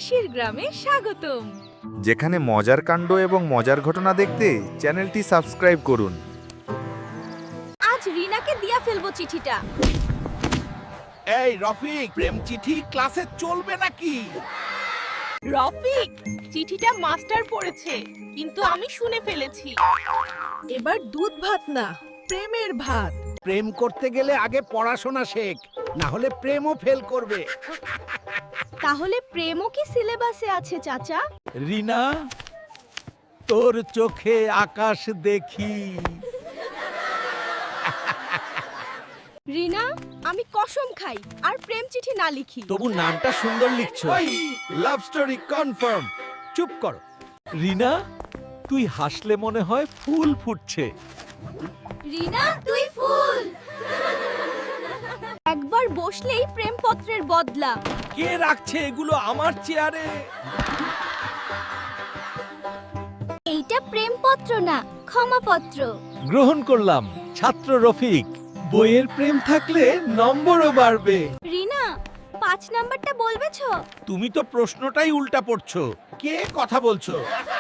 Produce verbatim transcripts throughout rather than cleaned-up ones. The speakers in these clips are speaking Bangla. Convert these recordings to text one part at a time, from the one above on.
হাসির গ্রামে স্বাগতম। যেখানে মজার কাণ্ড এবং মজার ঘটনা দেখতে চ্যানেলটি সাবস্ক্রাইব করুন। আজ রিনাকে দিয়া ফেলবো চিঠিটা। এই রফিক, প্রেম চিঠি ক্লাসে চলবে নাকি? রফিক, চিঠিটা মাস্টার পড়েছে, কিন্তু আমি শুনে ফেলেছি। এবার দুধ ভাত না, প্রেমের ভাত। প্রেম করতে গেলে আগে পড়াশোনা শেখ, না হলে প্রেমও ফেল করবে। তাহলে প্রেমও কি সিলেবাসে আছে চাচা? রিনা, তোর চোখে আকাশ দেখি। রিনা, আমি কসম খাই আর প্রেম চিঠি না লিখি। তবু নামটা সুন্দর লিখছো। Love story confirm. চুপ কর। রিনা, তুই হাসলে মনে হয় ফুল ফুটছে। রিনা, তুই ফুল। একবার বসলেই প্রেমপত্রের বদলা। কে রাখছে এগুলো আমার চেয়ারে? এইটা প্রেমপত্র না, ক্ষমাপত্র। গ্রহণ করলাম ছাত্র রফিক। বইয়ের প্রেম থাকলে নম্বরও বাড়বে। রিনা, পাঁচ নাম্বারটা বলবেছ? তুমি তো প্রশ্নটাই উল্টা পড়ছো। কে কথা বলছো?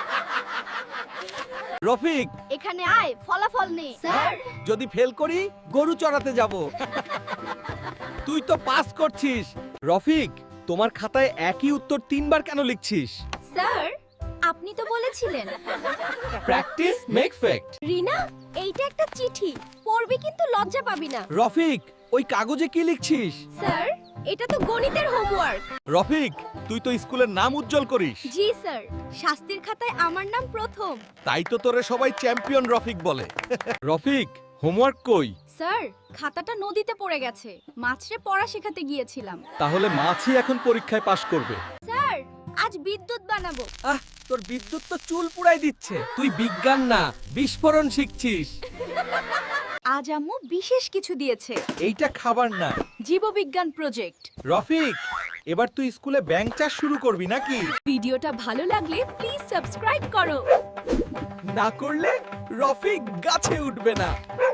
রফিক, এখানে আয়, ফলাফল নে। স্যার, যদি ফেল করি গরু চড়াতে যাব। তুই তো পাস করছিস। রফিক, তোমার খাতায় একই উত্তর তিনবার কেন লিখছিস? স্যার, আপনি তো বলেছিলেন। Practice make fact. রিনা, এইটা একটা চিঠি, পড়বি কিন্তু লজ্জা পাবি না। রফিক, ওই কাগজে কি লিখছিস? স্যার, এটা তো গণিতের হোমওয়ার্ক। রফিক, তুই তো স্কুলের নাম উজ্জ্বল করিস। জি স্যার, শাস্তির খাতায় আমার নাম প্রথম। তাই তো তোরে সবাই চ্যাম্পিয়ন রফিক বলে। রফিক, হোমওয়ার্ক কই? স্যার, খাতাটা নদীতে পড়ে গেছে, মাছরে পড়া শেখাতে গিয়েছিলাম। তাহলে মাছই এখন পরীক্ষায় পাশ করবে। স্যার, আজ বিদ্যুৎ বানাবো। আহ, তোর বিদ্যুৎ তো চুল পুড়াই দিচ্ছে। তুই বিজ্ঞান না, বিস্ফোরণ শিখছিস। আজ আম্মু বিশেষ কিছু দিয়েছে, এইটা খাবার না। জীববিজ্ঞান প্রজেক্ট। রফিক, এবার তুই স্কুলে ব্যাংক চাষ শুরু করবি নাকি? ভিডিওটা ভালো লাগলে প্লিজ সাবস্ক্রাইব করো। না করলে রফিক গাছে উঠবে না।